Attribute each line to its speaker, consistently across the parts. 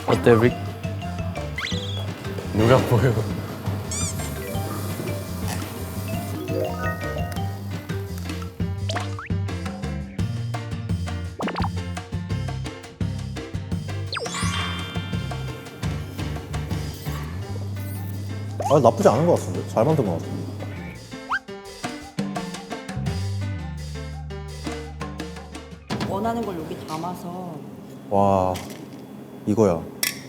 Speaker 1: 어때 릭? 누가 보여?
Speaker 2: 아, 나쁘지 않은 것 같은데? 잘 만든 것 같은데?
Speaker 3: 원하는 걸 여기 담아서
Speaker 2: 와, 이거야.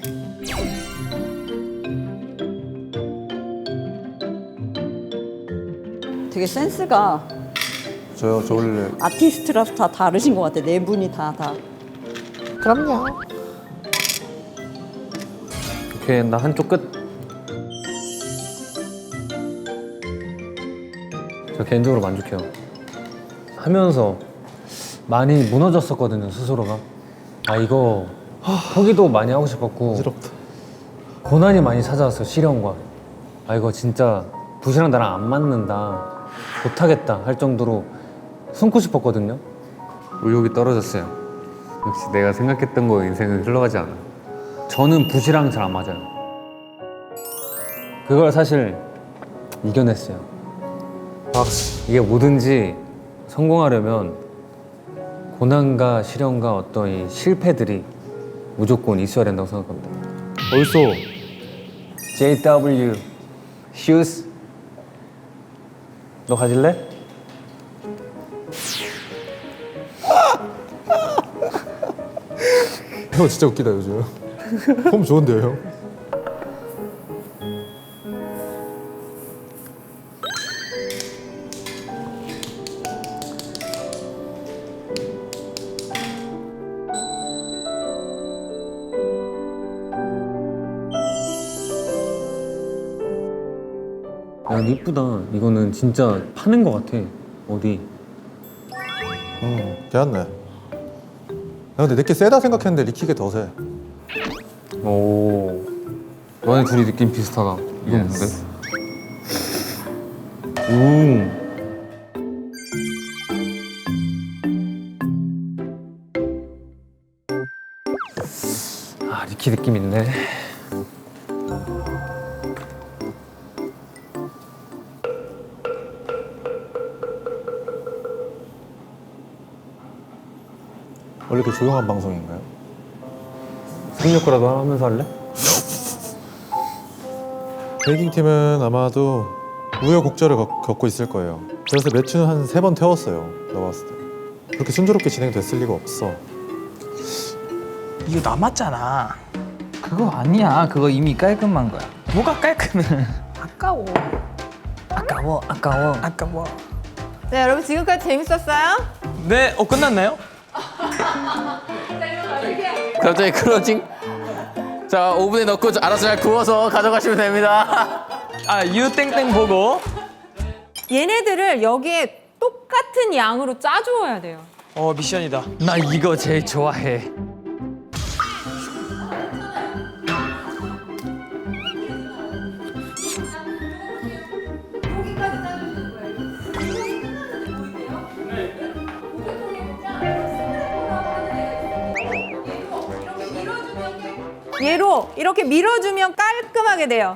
Speaker 3: 되게 센스가
Speaker 2: 저 원래
Speaker 3: 아티스트라서 다 다르신 것 같아. 네 분이 다.
Speaker 2: 그럼요.
Speaker 1: 오케이 나 한쪽 끝. 저 개인적으로 만족해요. 하면서 많이 무너졌었거든요 스스로가. 아 이거 포기도 많이 하고 싶었고
Speaker 2: 어지럽다.
Speaker 1: 고난이 많이 찾아왔어요. 시련과. 아 이거 진짜 붓이랑 나랑 안 맞는다, 못하겠다 할 정도로 숨고 싶었거든요. 의욕이 떨어졌어요. 역시 내가 생각했던 거 인생은 흘러가지 않아. 저는 붓이랑 잘 안 맞아요. 그걸 사실 이겨냈어요.
Speaker 2: 박수.
Speaker 1: 이게 뭐든지 성공하려면 고난과 시련과 어떤 이 실패들이 무조건 있어야 된다고 생각합니다.
Speaker 2: 벌써
Speaker 1: JW Shoes 너 가질래?
Speaker 2: 형 진짜 웃기다 요즘. 폼 좋은데요, 형?
Speaker 1: 야 이쁘다. 이거는 진짜 파는 거 같아. 어디?
Speaker 2: 괜찮네. 야, 근데 내게 세다 생각했는데 리킥이 더 세.
Speaker 1: 오, 너네 둘이 느낌 비슷하다. 이건 뭔데? 오. 아 리키 느낌 있네.
Speaker 2: 원래 이렇게 조용한 방송인가요?
Speaker 1: 생략거라도 하면서 할래?
Speaker 2: 베이킹 팀은 아마도 우여곡절을 겪고 있을 거예요. 그래서 매춘 한 3번 태웠어요. 내가 봤을 때. 그렇게 순조롭게 진행됐을 리가 없어.
Speaker 4: 이거 남았잖아. 그거 아니야. 그거 이미 깔끔한 거야. 뭐가 깔끔해?
Speaker 3: 아까워.
Speaker 4: 아까워.
Speaker 5: 네, 여러분 지금까지 재밌었어요?
Speaker 4: 네, 끝났나요?
Speaker 6: 갑자기 클로징? 자, 오븐에 넣고 알아서 잘 구워서 가져가시면 됩니다.
Speaker 4: 아, 유땡땡 보고.
Speaker 5: 얘네들을 여기에 똑같은 양으로 짜주어야 돼요.
Speaker 4: 미션이다. 나 이거 제일 좋아해.
Speaker 5: 얘로 이렇게 밀어주면 깔끔하게 돼요.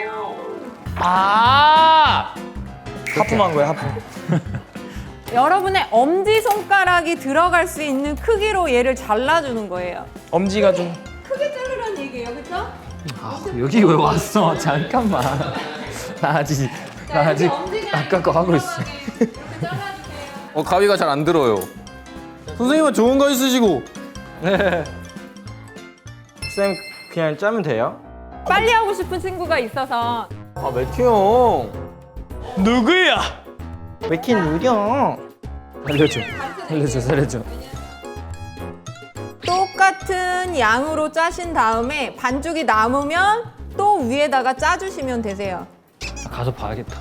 Speaker 4: 하품한 거야, 하품.
Speaker 5: 여러분의 엄지손가락이 들어갈 수 있는 크기로 얘를 잘라주는 거예요.
Speaker 4: 엄지가 좀.
Speaker 5: 크게 자르라는 얘기예요, 그렇죠?
Speaker 4: 여기 왜 왔어? 잠깐만. 나 아직 아까 거 하고 있어.
Speaker 6: 가위가 잘 안 들어요. 선생님은 좋은 거 있으시고.
Speaker 4: 쌤, 그냥 짜면 돼요?
Speaker 5: 빨리 하고 싶은 친구가 있어서
Speaker 6: 매튜 형.
Speaker 4: 누구야? 왜 이렇게 느려?
Speaker 1: 살려줘.
Speaker 5: 똑같은 양으로 짜신 다음에 반죽이 남으면 또 위에다가 짜주시면 되세요.
Speaker 1: 가서 봐야겠다.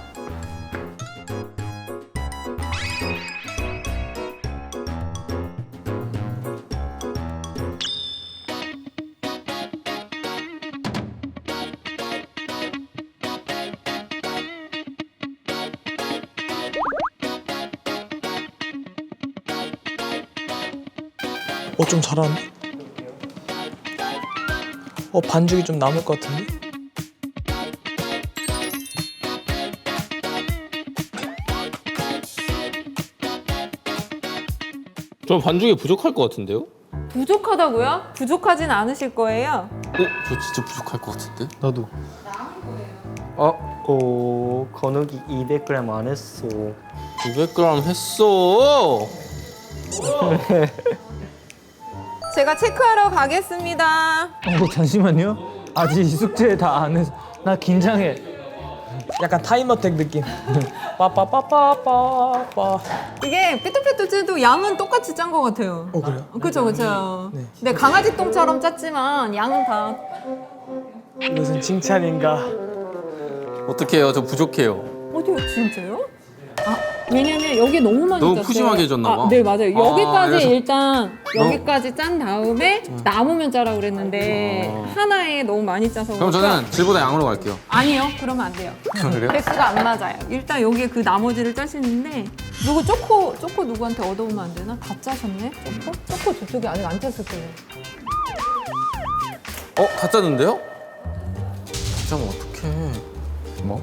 Speaker 4: 좀 잘하네.
Speaker 7: 반죽이 좀 남을 것 같은데?
Speaker 6: 저 반죽이 부족할 것 같은데요?
Speaker 5: 부족하다고요? 부족하진 않으실 거예요.
Speaker 6: 저 진짜 부족할 것 같은데?
Speaker 2: 나도.
Speaker 7: 건욱이 200g 안 했어.
Speaker 6: 200g 했어.
Speaker 5: 제가 체크하러 가겠습니다.
Speaker 4: 잠시만요. 아직 이 숙제 다 안 해서 나 긴장해.
Speaker 7: 약간 타임어택 느낌. 빠빠빠빠빠빠.
Speaker 5: 이게 삐뚤빼뚤 양은 똑같이 짠 것 같아요.
Speaker 7: 그래요?
Speaker 5: 그쵸 그쵸. 네 강아지 똥처럼 짰지만 양은 다.
Speaker 7: 무슨 칭찬인가?
Speaker 6: 어떡해요? 저 부족해요.
Speaker 5: 어디요 진짜요? 아 왜냐면 여기 너무 많이
Speaker 6: 너무
Speaker 5: 짰어요.
Speaker 6: 푸짐하게 해줬나 봐.
Speaker 5: 네 맞아요. 여기까지
Speaker 6: 그래서-
Speaker 5: 일단 여기까지 짠 다음에 남으면 짜라 그랬는데 하나에 너무 많이 짜서.
Speaker 6: 그럼
Speaker 5: 그럴까?
Speaker 6: 저는 질보다 양으로 갈게요.
Speaker 5: 아니요 그러면 안 돼요.
Speaker 6: 그래요?
Speaker 5: 횟수가 안 맞아요. 일단 여기에 그 나머지를 짜시는데 누구 초코 누구한테 얻어오면 안 되나? 다 짜셨네? 초코 저쪽에 아직 안 짰을 거예요.
Speaker 6: 다 짰는데요? 다 짜면 어떡해.
Speaker 1: 뭐?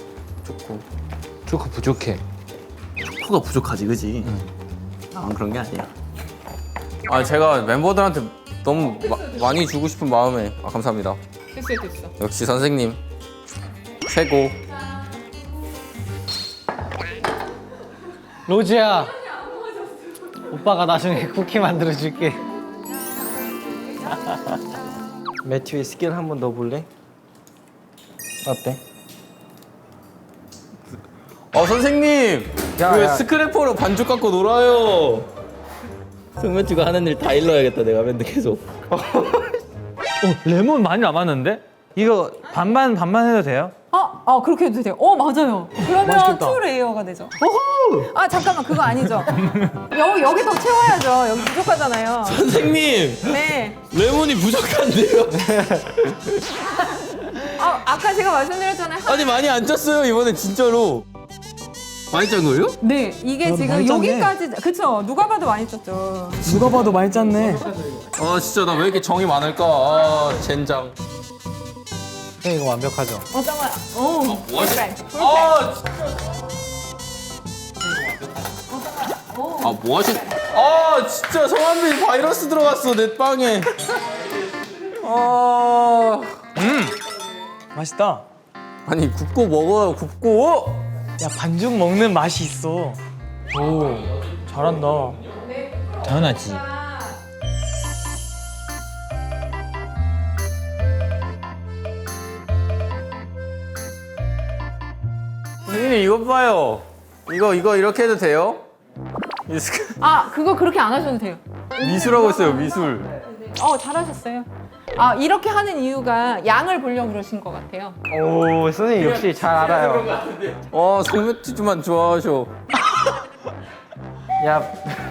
Speaker 6: 초코 부족해. 초코가 부족하지, 그지? 그런 게 아니야. 제가 멤버들한테 너무 많이 주고 싶은 마음에 감사합니다.
Speaker 5: 됐어.
Speaker 6: 역시 선생님 최고.
Speaker 4: 로지야. 오빠가 나중에 쿠키 만들어줄게.
Speaker 7: 매튜의 스킬 한번 넣어볼래? 어때?
Speaker 6: 선생님 왜 스크래퍼로 반죽 갖고 놀아요? 승매튜가 하는 일 다 일러야겠다 내가 맨날 계속.
Speaker 4: 레몬 많이 남았는데? 이거 반반 해도 돼요?
Speaker 5: 그렇게 해도 돼요. 맞아요. 그러면
Speaker 7: 맛있겠다.
Speaker 5: 투 레이어가 되죠. 잠깐만 그거 아니죠. 여기 더 채워야죠. 여기 부족하잖아요.
Speaker 6: 선생님
Speaker 5: 네.
Speaker 6: 레몬이 부족한데요?
Speaker 5: 아까 제가 말씀드렸잖아요.
Speaker 6: 아니 많이 안 짰어요 이번엔 진짜로. 많이 짠 거예요?
Speaker 5: 네, 이게 지금
Speaker 7: 많이 짰네.
Speaker 5: 여기까지 그쵸? 누가 봐도 많이 짰죠.
Speaker 7: 누가 봐도 많이 짰네.
Speaker 6: 진짜 나 왜 이렇게 정이 많을까? 젠장.
Speaker 7: 이거 완벽하죠?
Speaker 5: 잠깐만.
Speaker 6: 뭐하지?
Speaker 5: perfect.
Speaker 6: 뭐하시? 진짜 성한빈 바이러스 들어갔어 내 빵에.
Speaker 7: 맛있다.
Speaker 6: 아니 굽고 먹어요 굽고.
Speaker 7: 야 반죽 먹는 맛이 있어. 오 잘한다.
Speaker 4: 당연하지.
Speaker 6: 선생님 이것 봐요. 이거 이렇게 해도 돼요?
Speaker 5: 그거 그렇게 안 하셔도 돼요.
Speaker 6: 미술하고 있어요 미술.
Speaker 5: 잘하셨어요. 이렇게 하는 이유가 양을 보려고 그러신 것 같아요.
Speaker 7: 오 선생님 역시 잘 알아요.
Speaker 6: 성매튜만 좋아하셔.
Speaker 7: 야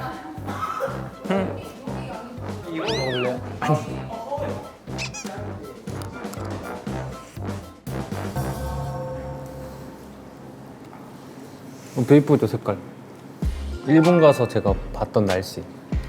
Speaker 1: 되게 이쁘죠 색깔. 일본 가서 제가 봤던 날씨.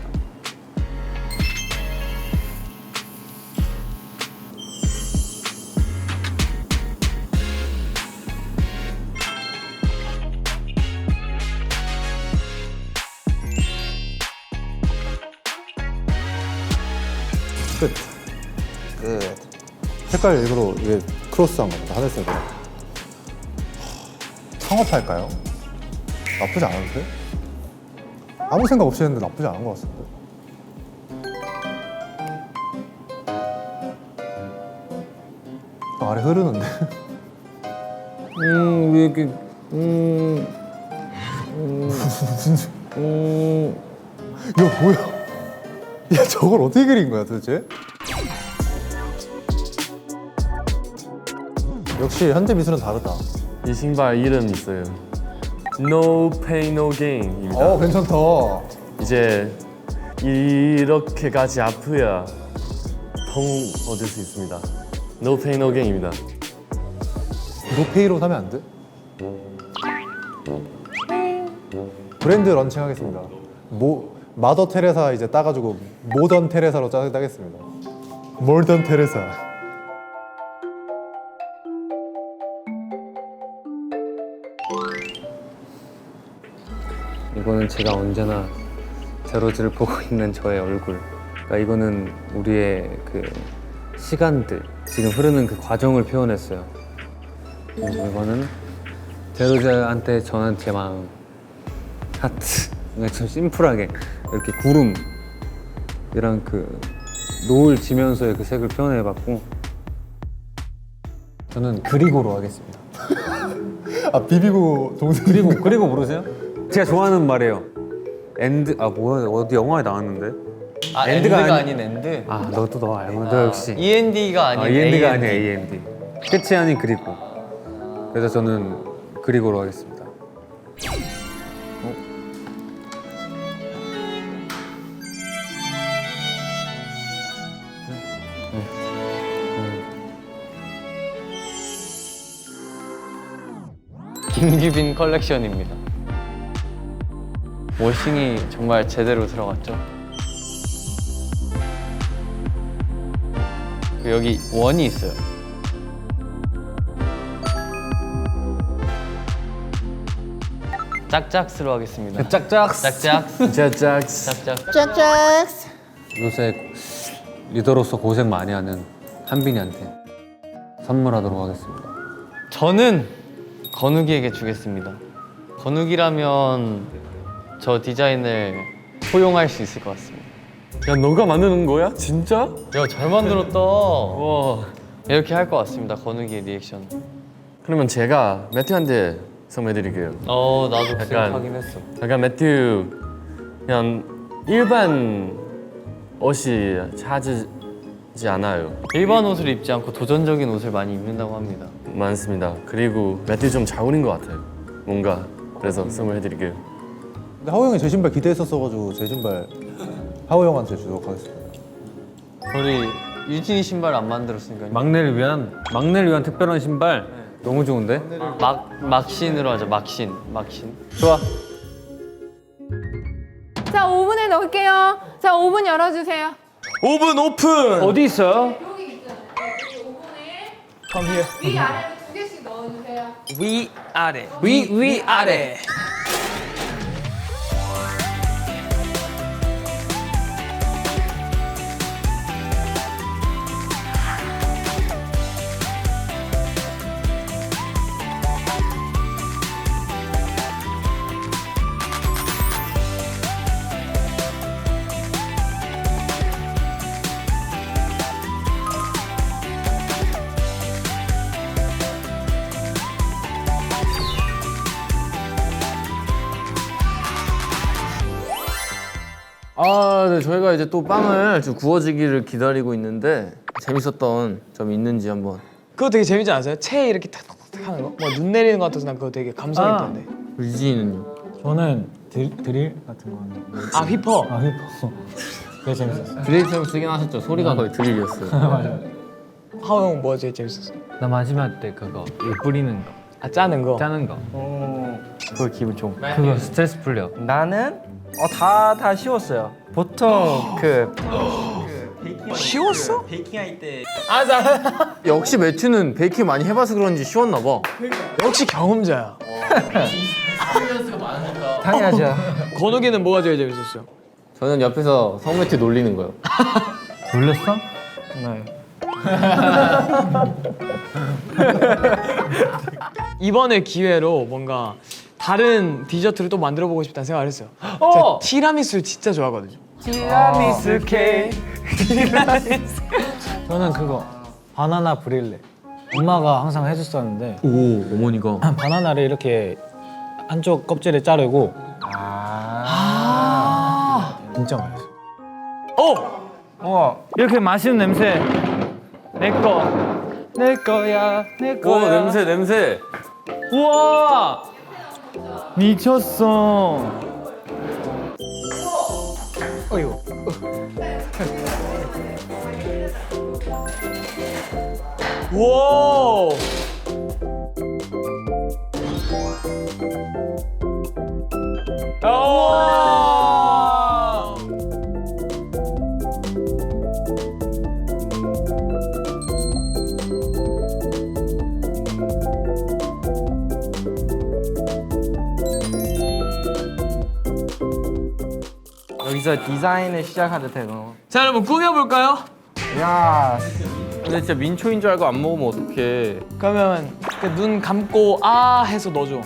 Speaker 2: 끝. 색깔 일부러 이게 크로스한 겁니다. 하늘색으로. 창업할까요? 나쁘지 않은데? 아무 생각 없이 했는데 나쁘지 않은 것 같은데. 아래 흐르는데.
Speaker 1: 왜 이렇게
Speaker 2: 이거 뭐야? 야 저걸 어떻게 그린 거야 도대체? 역시 현대 미술은 다르다.
Speaker 8: 이 신발 이름 있어요. No Pain No Gain입니다.
Speaker 2: 괜찮다.
Speaker 8: 이제 이렇게까지 아프야 통 얻을 수 있습니다. No Pain No Gain입니다.
Speaker 2: 노페이로 사면 안 돼? 브랜드 런칭하겠습니다. 마더 테레사 이제 따가지고 모던 테레사로 따겠습니다. 몰던 테레사.
Speaker 1: 이거는 제가 언제나 제로즈를 보고 있는 저의 얼굴. 그러니까 이거는 우리의 그 시간들, 지금 흐르는 그 과정을 표현했어요. 그리고 이거는 제로즈한테 전한 제 마음. 하트. 그냥 좀 심플하게 이렇게 구름이랑 그 노을 지면서의 그 색을 표현해봤고, 저는 그리고로 하겠습니다.
Speaker 2: 아 비비고 동생
Speaker 1: 그리고 모르세요? 제가 좋아하는 말이에요. 엔드 뭐야 어디 영화에 나왔는데?
Speaker 4: 아
Speaker 1: 엔드가
Speaker 4: 엔드가
Speaker 1: 아니-
Speaker 4: 아닌 엔드.
Speaker 1: 아 너도 너 알고 너 역시.
Speaker 4: END가 아닌
Speaker 1: END가
Speaker 4: AND.
Speaker 1: 아니야 END. 끝이 아닌 그리고. 그래서 저는 그리고로 하겠습니다.
Speaker 4: 김규빈 컬렉션입니다. 워싱이 정말 제대로 들어갔죠. 여기 원이 있어요. 짝짝스로 하겠습니다.
Speaker 1: 짝짝.
Speaker 4: 짝짝.
Speaker 8: 짜짝.
Speaker 4: 짝짝.
Speaker 1: 요새 리더로서 고생 많이 하는 한빈이한테 선물하도록 하겠습니다.
Speaker 4: 저는 건욱이에게 주겠습니다. 건욱이라면 저 디자인을 포용할 수 있을 것 같습니다.
Speaker 8: 야 너가 만드는 거야? 진짜?
Speaker 4: 야, 잘 만들었다.
Speaker 8: 와.
Speaker 4: 이렇게 할 것 같습니다. 건욱이의 리액션.
Speaker 8: 그러면 제가 매튜한테 선물해드릴게요.
Speaker 4: 나도
Speaker 8: 약간-
Speaker 4: 생각하긴 했어.
Speaker 8: 약간 매튜 그냥 일반 옷이 찾지 않아요.
Speaker 4: 일반 옷을 입지 않고 도전적인 옷을 많이 입는다고 합니다.
Speaker 8: 많습니다. 그리고 매튜 좀 잘 어울린 것 같아요. 뭔가 그래서 선물해드릴게요.
Speaker 2: 근데 하호 형이 제 신발 기대했었어가지고 제 신발 하호 형한테 주도록 하겠습니다.
Speaker 4: 우리 유진이 신발 안 만들었으니까
Speaker 1: 막내를 위한 특별한 신발 너무 좋은데?
Speaker 4: 막신으로 하자. 막신.
Speaker 1: 좋아.
Speaker 5: 자, 오븐에 넣을게요. 자, 오븐 열어주세요.
Speaker 7: 오븐 오픈.
Speaker 1: 어디 있어요?
Speaker 5: 여기 있잖아요. 오븐에
Speaker 7: Come here.
Speaker 5: 위 아래로 2개씩 넣어주세요.
Speaker 7: 위 아래. 위 아래.
Speaker 6: 네, 저희가 이제 또 빵을 좀 구워지기를 기다리고 있는데 재밌었던 점이 있는지 한번.
Speaker 7: 그거 되게 재밌지 않았어요? 채 이렇게 탁탁탁 하는 거? 뭐 눈 내리는 것 같아서 난 그거 되게 감성 있던데.
Speaker 6: 유진이는요?
Speaker 9: 저는 드릴 같은 거 하는 거.
Speaker 7: 아 휘퍼.
Speaker 9: 아 휘퍼. 그게 재밌었어요.
Speaker 6: 드릴처럼 쓰긴 하셨죠? 소리가 거의 드릴이었어요.
Speaker 9: 맞아요.
Speaker 7: 하호 형 뭐가 제일 재밌었어?
Speaker 1: 나 마지막 때 그거 물 뿌리는 거,
Speaker 7: 아 짜는 거.
Speaker 1: 짜는 거.
Speaker 7: 그거 기분 좋은 거.
Speaker 1: 그거 스트레스 풀려.
Speaker 10: 나는 다 쉬웠어요. 보통
Speaker 7: 쉬웠어?
Speaker 10: 베이킹할 때
Speaker 7: 아
Speaker 6: 역시 매튜는 베이킹 많이 해봐서 그런지 쉬웠나 봐.
Speaker 7: 역시 경험자야.
Speaker 10: 당연하죠.
Speaker 7: 건욱이는 뭐가 제일 재밌었어요?
Speaker 6: 저는 옆에서 성매튜 놀리는 거요.
Speaker 1: 놀랬어?
Speaker 7: 네. 이번에 기회로 뭔가 다른 디저트를 또 만들어 보고 싶다는 생각을 했어요. 제가 티라미수를 진짜 좋아하거든요.
Speaker 10: 티라미수 케이크.
Speaker 9: 저는 그거 바나나 브릴레. 엄마가 항상 해줬었는데
Speaker 6: 오, 어머니가.
Speaker 9: 바나나를 이렇게 한쪽 껍질을 자르고 진짜 맛있어.
Speaker 10: 이렇게 맛있는 냄새. 내 거야. 내
Speaker 6: 오, 냄새.
Speaker 10: 우와. 미쳤어.
Speaker 7: 어이구. 와.
Speaker 4: 이제 디자인을 시작하도 되고.
Speaker 7: 자 여러분 꾸며볼까요?
Speaker 4: 야.
Speaker 6: 근데 진짜 민초인 줄 알고 안 먹으면 어떡해.
Speaker 7: 그러면 눈 감고 아 해서 넣어줘.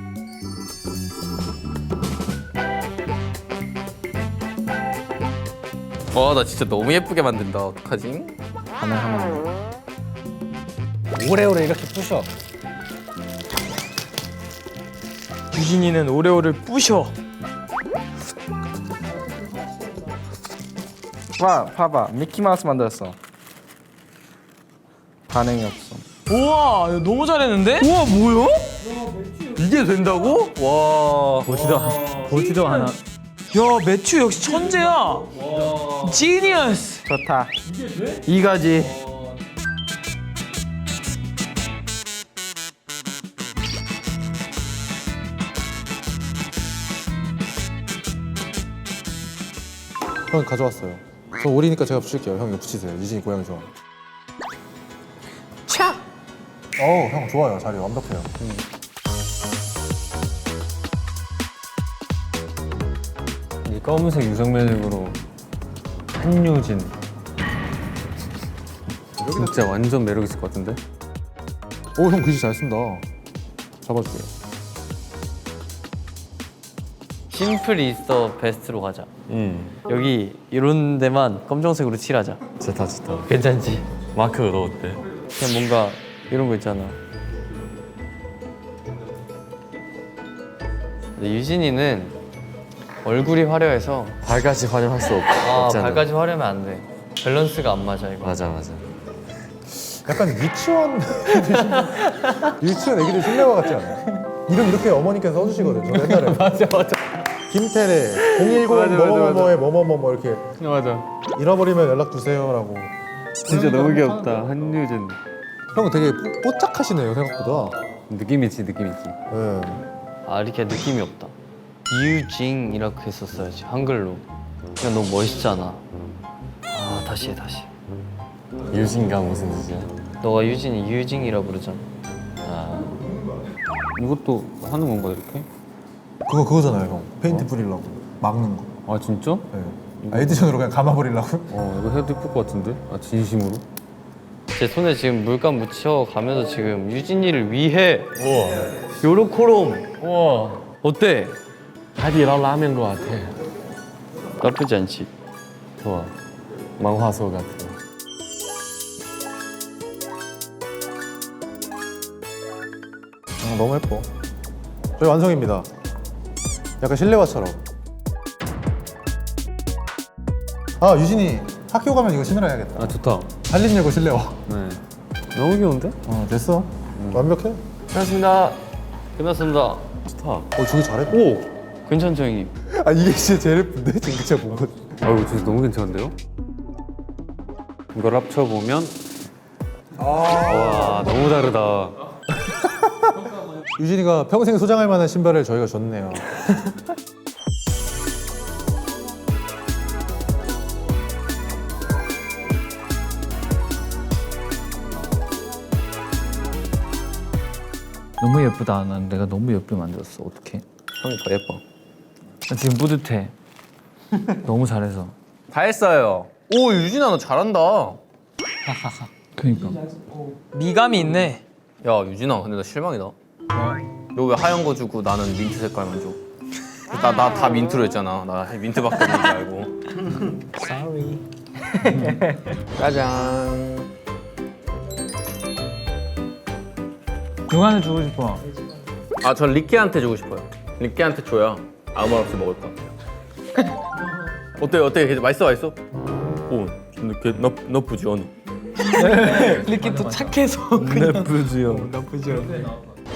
Speaker 6: 와, 나 진짜 너무 예쁘게 만든다. 어떡하지?
Speaker 9: 오래오래 이렇게 부셔.
Speaker 7: 유진이는 오레오를 부셔.
Speaker 4: 와, 봐봐. 미키마우스 만들었어. 반응이 없어.
Speaker 7: 우와 이거 너무 잘했는데?
Speaker 6: 우와, 뭐야? 이게 된다고? 와.
Speaker 10: 보지도 않아.
Speaker 7: 야 매튜 역시 천재야. 지니어스.
Speaker 4: 좋다. 이거지.
Speaker 2: 형 가져왔어요. 저 오리니까 제가 붙일게요. 형 이거 붙이세요. 유진이 고양이 좋아.
Speaker 7: 차.
Speaker 2: 형 좋아요. 자리 완벽해요.
Speaker 1: 이 검은색 유성매직으로 한유진. 진짜 완전 매력 있을 것 같은데?
Speaker 2: 형 글씨 잘 쓴다. 잡아줄게요.
Speaker 4: 심플 이스터 베스트로 가자. 여기 이런 데만 검정색으로 칠하자.
Speaker 8: 좋다 좋다.
Speaker 4: 괜찮지?
Speaker 8: 마크도 어때?
Speaker 4: 그냥 뭔가 이런 거 있잖아. 근데 유진이는 얼굴이 화려해서
Speaker 8: 발까지 활용할 수 없잖아.
Speaker 4: 발까지 화려하면 안 돼. 밸런스가 안 맞아 이거.
Speaker 8: 맞아 맞아.
Speaker 2: 약간 유치원 유치원 애기들 실내화 같지 않아요? 이름 이렇게 어머니께서 써주시거든요. 저 옛날에. 맞아. 김태래 010 뭐뭐뭐뭐에 뭐뭐뭐 이렇게
Speaker 1: 맞아.
Speaker 2: 잃어버리면 연락 주세요라고.
Speaker 1: 진짜 너무 귀엽다. 한유진.
Speaker 2: 형 되게 뽀짝하시네요 생각보다.
Speaker 1: 느낌 있지, 느낌 있지.
Speaker 2: 네.
Speaker 4: 아 이렇게 느낌이 없다. 유징이라고 했었어야지 한글로. 그냥 너무 멋있잖아. 아 다시 해 다시.
Speaker 8: 유진가 무슨 뜻이야?
Speaker 4: 너가 유진이 유징이라 부르잖아.
Speaker 1: 이것도 하는 건가, 이렇게?
Speaker 2: 그거잖아요 형. 페인트 뿌리려고 막는 거.
Speaker 1: 아, 진짜?
Speaker 2: 네. 에디션으로 그냥 감아버리려고.
Speaker 1: 이거 해도 예쁠 것 같은데? 아, 진심으로?
Speaker 4: 제 손에 지금 물감 묻혀 가면서 지금 유진이를 위해 요로코롬.
Speaker 8: 우와.
Speaker 4: 어때?
Speaker 8: 하디라오 라면 것 같아.
Speaker 4: 나쁘지 않지?
Speaker 8: 좋아. 만화소 같아.
Speaker 2: 너무 예뻐. 저희 완성입니다. 약간 실내화처럼. 아 유진이 학교 가면 이거 신으라야겠다.
Speaker 1: 아, 좋다.
Speaker 2: 한림예고 실내화.
Speaker 1: 네. 너무 귀여운데?
Speaker 2: 됐어. 완벽해.
Speaker 4: 끝났습니다. 끝났습니다.
Speaker 1: 좋다.
Speaker 2: 저기 잘해.
Speaker 1: 오!
Speaker 4: 괜찮죠 형님?
Speaker 2: 아 이게 진짜 제일 예쁜데? 지금 진짜 본 거.
Speaker 1: 아이고, 진짜 너무 괜찮은데요? 이걸 합쳐보면 와, 너무 다르다.
Speaker 2: 유진이가 평생 소장할 만한 신발을 저희가 줬네요.
Speaker 10: 너무 예쁘다. 난 내가 너무 예쁘게 만들었어. 어떡해?
Speaker 6: 형이 더 예뻐.
Speaker 10: 나 지금 뿌듯해. 너무 잘해서.
Speaker 6: 다 했어요. 오, 유진아, 너 잘한다.
Speaker 10: 그니까.
Speaker 7: 미감이 있네.
Speaker 6: 야, 유진아, 근데 나 실망이다. 너 왜 하얀 거 주고 나는 민트 색깔만 줘? 나 다 민트로 했잖아. 나 민트밖에 없는 줄 알고.
Speaker 4: Sorry.
Speaker 6: 짜잔.
Speaker 10: 누구한테 주고 싶어?
Speaker 6: 아, 전 리키한테 주고 싶어요. 리키한테 줘야 아무 말 없이 먹을 것 같아요. 어때요? 어때? 맛있어? 오, 근데 나쁘지 않아.
Speaker 7: 이렇게 또 착해서 그냥
Speaker 8: 나쁘지요.
Speaker 7: 나쁘지 않네.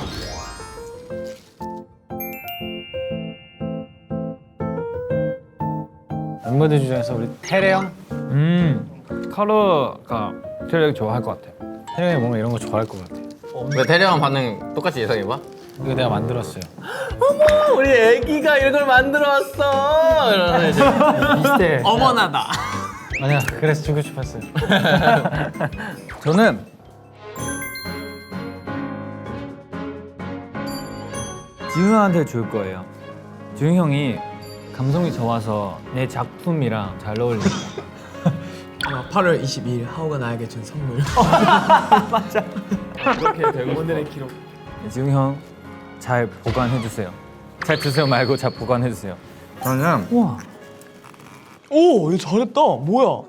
Speaker 9: 멤버들 중에서 우리 태래 형?
Speaker 10: 카로가 제일 좋아할 것 같아.
Speaker 9: 태래 형이 뭔가 이런 거 좋아할 것 같아.
Speaker 6: 왜 대령한 반응 똑같이 예상해봐?
Speaker 9: 이거 내가 만들었어요.
Speaker 6: 우리 애기가 이런 걸 만들어왔어. 이러면 이제
Speaker 10: 비슷해.
Speaker 7: 어머나다.
Speaker 9: 아니야, 그래서 주고 싶었어요.
Speaker 10: 저는 지훈 형한테 줄 거예요. 지훈 형이 감성이 좋아서 내 작품이랑 잘 어울린다.
Speaker 7: 8월 22일 하우가 나에게 준 선물.
Speaker 10: 이렇게 되고 오늘의 기록. 지웅 형 잘 보관해 주세요. 잘 드세요 말고 잘 보관해 주세요. 저는 우와.
Speaker 7: 오, 이거 잘했다. 뭐야?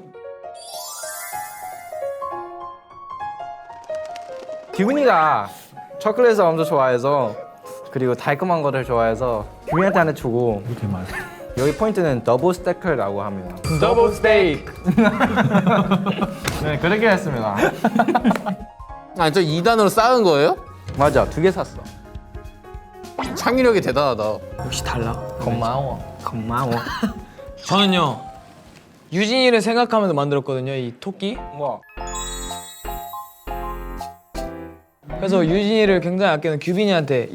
Speaker 11: 규빈이가 초콜릿을 엄청 좋아해서 그리고 달콤한 거를 좋아해서 규빈이한테 하나 주고
Speaker 10: 이렇게 많아.
Speaker 11: 여기 포인트는 더블 스테이크라고 합니다.
Speaker 10: 더블 스테이크.
Speaker 11: 네, 그렇게 했습니다.
Speaker 6: 아, 저 2단으로 쌓은 거예요?
Speaker 11: 맞아, 2개 샀어.
Speaker 6: 창의력이 대단하다.
Speaker 7: 역시 달라.
Speaker 11: 고마워. 고마워.
Speaker 7: 저는요 유진이를 생각하면서 만들었거든요. 이 토끼.
Speaker 11: 뭐?
Speaker 7: 그래서 유진이를 굉장히 아끼는 규빈이한테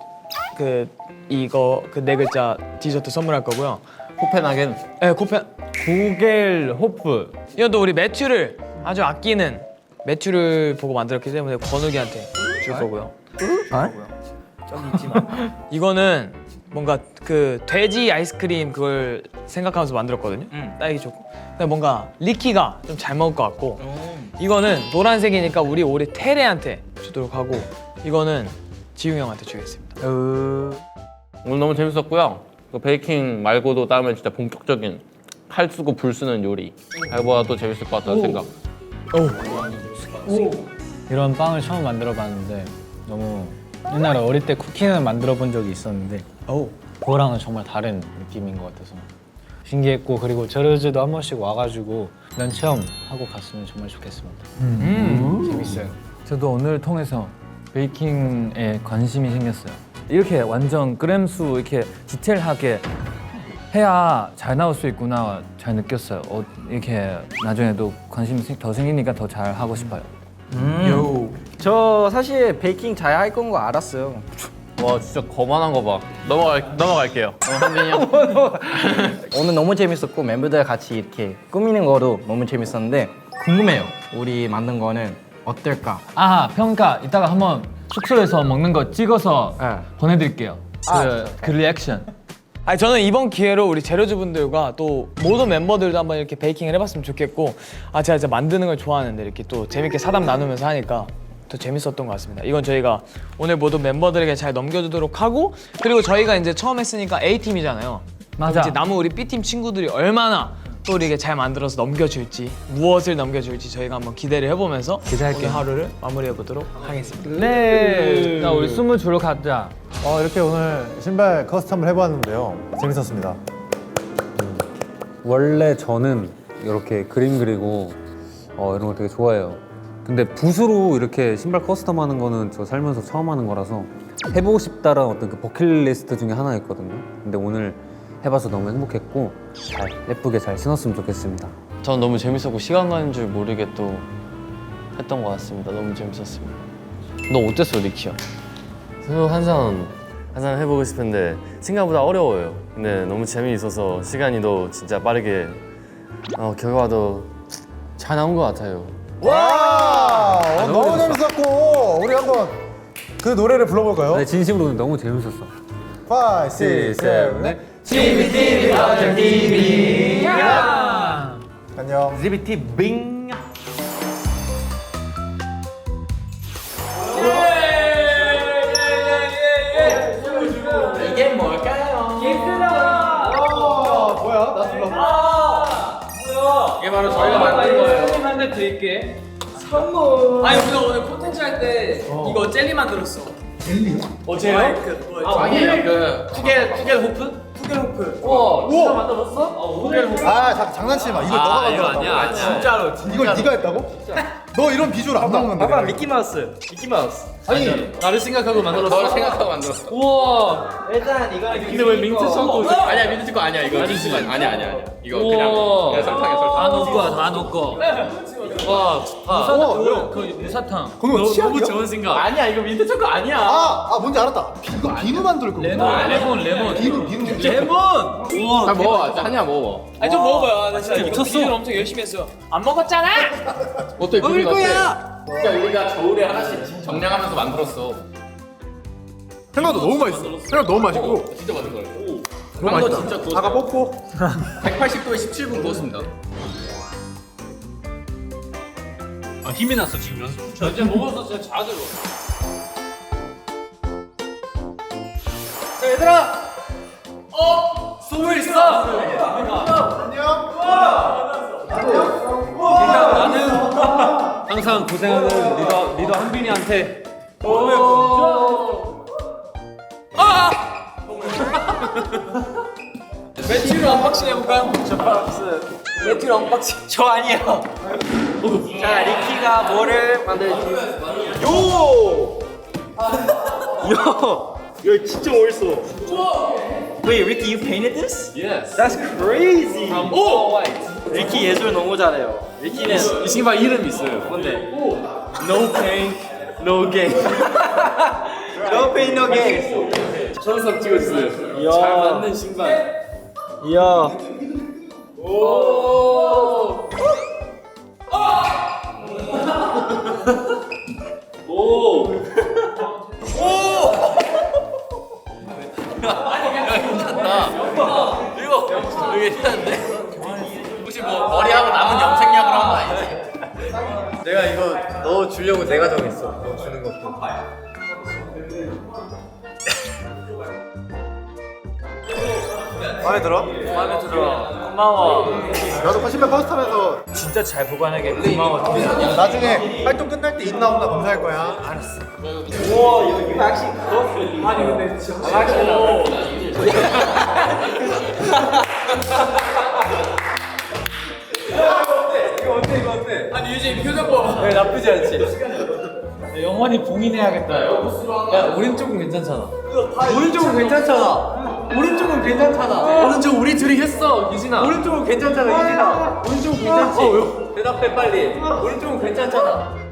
Speaker 7: 이거 그 4글자 디저트 선물할 거고요.
Speaker 6: 코펜하겐.
Speaker 7: 네, 코펜.
Speaker 10: 구겔 호프.
Speaker 7: 이것도 우리 매튜를 아주 아끼는 매튜를 보고 만들었기 때문에 권욱이한테 줄 거고요. 저기 있지만 이거는 뭔가 그 돼지 아이스크림 그걸 생각하면서 만들었거든요. 딸기 초코. 근데 뭔가 리키가 좀 잘 먹을 것 같고 이거는 노란색이니까 우리 테레한테 주도록 하고 이거는 지웅 형한테 주겠습니다.
Speaker 6: 오늘 너무 재밌었고요. 그 베이킹 말고도 다음에 진짜 본격적인 칼 쓰고 불 쓰는 요리 해봐야 또 재밌을 것 같다는 생각.
Speaker 9: 이런 빵을 처음 만들어 봤는데 너무 옛날에 어릴 때 쿠키는 만들어 본 적이 있었는데 그거랑은 정말 다른 느낌인 것 같아서 신기했고 그리고 저르즈도 한 번씩 와가지고 이런 체험하고 갔으면 정말 좋겠습니다. 재밌어요.
Speaker 10: 저도 오늘 통해서 베이킹에 관심이 생겼어요. 이렇게 완전 그램수 이렇게 디테일하게 해야 잘 나올 수 있구나 잘 느꼈어요. 이렇게 나중에도 관심이 더 생기니까 더 잘 하고 싶어요.
Speaker 11: 저 사실 베이킹 잘 할 건 거 알았어요.
Speaker 6: 와 진짜 거만한 거 봐. 넘어갈게요. 한빈이 형.
Speaker 11: 오늘 너무 재밌었고 멤버들 같이 이렇게 꾸미는 거도 너무 재밌었는데 궁금해요. 우리 만든 거는 어떨까?
Speaker 10: 아 평가 이따가 한번 숙소에서 먹는 거 찍어서
Speaker 11: 네.
Speaker 10: 보내드릴게요. 그 리액션.
Speaker 7: 아니 저는 이번 기회로 우리 재료주 분들과 또 모든 멤버들도 한번 이렇게 베이킹을 해봤으면 좋겠고 제가 진짜 만드는 걸 좋아하는데 이렇게 또 재밌게 사담 나누면서 하니까 더 재밌었던 것 같습니다. 이건 저희가 오늘 모든 멤버들에게 잘 넘겨주도록 하고 그리고 저희가 이제 처음 했으니까 A팀이잖아요.
Speaker 10: 맞아.
Speaker 7: 이제 남은 우리 B팀 친구들이 얼마나 또 우리에게 잘 만들어서 넘겨줄지 무엇을 넘겨줄지 저희가 한번 기대를 해보면서
Speaker 10: 기대할게요.
Speaker 7: 오늘 하루를 마무리해보도록 하겠습니다.
Speaker 10: 네. 자 우리 숨을 주러 가자.
Speaker 2: 이렇게 오늘 신발 커스텀을 해보았는데요. 재밌었습니다.
Speaker 1: 원래 저는 이렇게 그림 그리고 이런 거 되게 좋아해요. 근데 붓으로 이렇게 신발 커스텀 하는 거는 저 살면서 처음 하는 거라서 해보고 싶다라는 어떤 그 버킷리스트 중에 하나였거든요. 근데 오늘 해봐서 너무 행복했고 잘 예쁘게 잘 신었으면 좋겠습니다.
Speaker 4: 전 너무 재밌었고 시간 가는 줄 모르게 또 했던 것 같습니다. 너무 재밌었습니다. 너 어땠어, 리키야?
Speaker 8: 저도 항상 해보고 싶은데 생각보다 어려워요. 근데 너무 재미있어서 시간이 더 진짜 빠르게 결과도 잘 나온 것 같아요.
Speaker 2: 와! 너무 재밌었고 우리 한번 그 노래를 불러볼까요?
Speaker 1: 네, 진심으로 오늘 너무 재밌었어.
Speaker 2: 5, 6, 7, 8 안녕.
Speaker 11: GBT 빙. 이게 뭘까요?
Speaker 6: 이게 바로 저희가 만든 거예요.
Speaker 7: 한대 드릴게. 선물. 아니 우리가 오늘 콘텐츠 할 때 이거 젤리 만들었어. 젤리요? 젤리?
Speaker 6: 아니에요. 그 투겔 호프?
Speaker 2: 장난치지 마. 이걸 너가 만들었다고.
Speaker 6: 아니야.
Speaker 2: 진짜로. 이걸 네가 했다고? 너 이런 비주얼 안 나오는데.
Speaker 11: 봐봐 미키마우스.
Speaker 6: 아니 나를 생각하고 만들었어. 너를 생각하고 만들었어.
Speaker 11: 일단 이거
Speaker 6: 근데 왜 민트 초코? 아니야 민트 초코 아니야 이거. 민트 초코 아니야. 이거 그냥 설탕이야 설탕.
Speaker 10: 다 놓고. 무사탕.
Speaker 2: 그거
Speaker 6: 너무 좋은 생각. 아니야 이거 민트 초코 아니야.
Speaker 2: 뭔지 알았다. 이거 비누 만들 거구나.
Speaker 10: 레몬.
Speaker 2: 비누.
Speaker 6: 다 먹어. 한이야 먹어.
Speaker 7: 아니 좀 먹어봐요. 나 진짜 미쳤어. 엄청 열심히 했어요. 안 먹었잖아.
Speaker 6: 어때? 먹을 거야. 진짜 우리가 겨울에 하나씩 정량하면서 만들었어.
Speaker 2: 생각도 너무 맛있어. 생각 너무 맛있고.
Speaker 6: 진짜 맛있는 거야. 빵도 진짜 구웠어요.
Speaker 2: 아까 뽑고
Speaker 6: 180도에 17분 구웠습니다.
Speaker 10: 힘이 났어 지금 연습. 저 이제 먹어서 진짜 자들어.
Speaker 7: 자 얘들아.
Speaker 10: 숨을 있어. 일단 나는 항상 고생하는 리더 한빈이한테.
Speaker 7: 매튜를 언박싱 해볼까요? 매튜를 언박싱. 저 아니에요. 자 리키가 뭐를 만들지? 요. 이거 진짜 멋있어. Wait, Ricky, you painted this?
Speaker 10: Yes.
Speaker 7: That's crazy.
Speaker 10: From all white.
Speaker 7: 리키 예술 너무 잘해요. 리키는
Speaker 10: 이 신발 이름 있어요.
Speaker 7: 뭔데? No pain, no gain. No pain, no gain.
Speaker 10: 천석 찍어주세요.
Speaker 7: 이야.
Speaker 10: 잘 맞는 신발.
Speaker 7: 이야.
Speaker 10: 오. 오.
Speaker 6: 이거 괜찮은데? 혹시 뭐 머리하고 남은 염색약으로 한 거 아니지?
Speaker 2: 내가 이거 너 주려고 내가 정했어. 너 주는 것도. 마음에 들어?
Speaker 7: 마음에 들어. 고마워.
Speaker 2: 나도 신발 퍼스트하면서
Speaker 7: 진짜 잘 보관하게 고마워.
Speaker 2: 나중에 활동 끝날 때 있나 없나 검사할 거야. 알았어.
Speaker 7: 우와 이거 actually 아니 근데 진짜 이거 어때? 아니 유진 표정 봐. 네, 나쁘지 않지.
Speaker 9: 영원히 봉인해야겠다.
Speaker 7: 야 오른쪽은 괜찮잖아. 오른쪽은 괜찮잖아. 오른쪽은 괜찮잖아.
Speaker 10: 오른쪽 우리 둘이 했어, 유진아.
Speaker 7: 오른쪽은 괜찮잖아 유진아. 오른쪽은 괜찮지. 대답해 빨리. 오른쪽은 괜찮잖아.